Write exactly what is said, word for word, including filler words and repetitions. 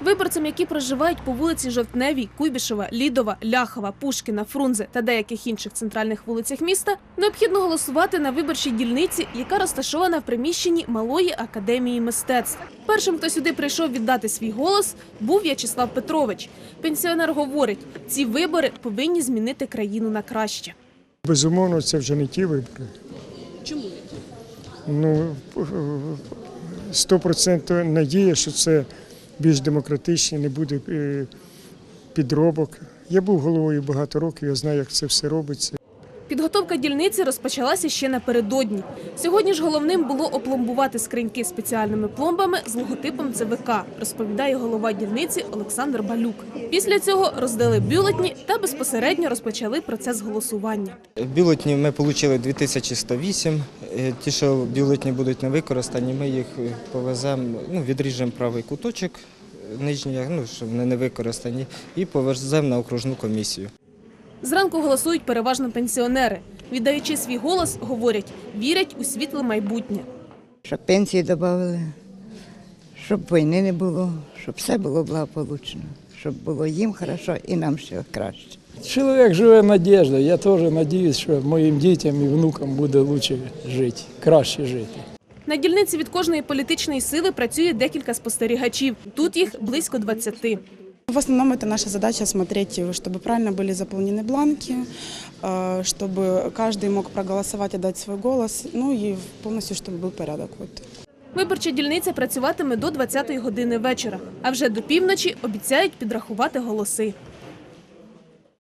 Виборцям, які проживають по вулиці Жовтневій, Куйбишева, Лідова, Ляхова, Пушкіна, Фрунзе та деяких інших центральних вулицях міста, необхідно голосувати на виборчій дільниці, яка розташована в приміщенні Малої академії мистецтв. Першим, хто сюди прийшов віддати свій голос, був В'ячеслав Петрович. Пенсіонер говорить, ці вибори повинні змінити країну на краще. Безумовно, це вже не ті вибори. Чому? Ну, сто відсотків надія, що це більш демократичні, не буде підробок. Я був головою багато років, я знаю, як це все робиться. Підготовка дільниці розпочалася ще напередодні. Сьогодні ж головним було опломбувати скриньки спеціальними пломбами з логотипом Це Ве Ка, розповідає голова дільниці Олександр Балюк. Після цього роздали бюлетні та безпосередньо розпочали процес голосування. Бюлетні ми отримали дві тисячі сто вісім. Ті, що бюлетні будуть не використані, ми їх повеземо, ну, відріжемо правий куточок нижній, ну, щоб вони не використані, і повеземо на окружну комісію. Зранку голосують переважно пенсіонери. Віддаючи свій голос, говорять, вірять у світле майбутнє. Щоб пенсії додали, щоб війни не було, щоб все було благополучно, щоб було їм добре і нам ще краще. Чоловік живе надією. Я теж сподіваюся, що моїм дітям і внукам буде краще жити, краще жити. На дільниці від кожної політичної сили працює декілька спостерігачів. Тут їх близько двадцяти. В основном это наша задача смотреть, чтобы правильно были заполнены бланки, чтобы каждый мог проголосовать, отдать свой голос, ну и полностью, чтобы был порядок. Вот. Виборча дільниця працюватиме до двадцятої години вечора, а вже до півночі обіцяють підрахувати голоси.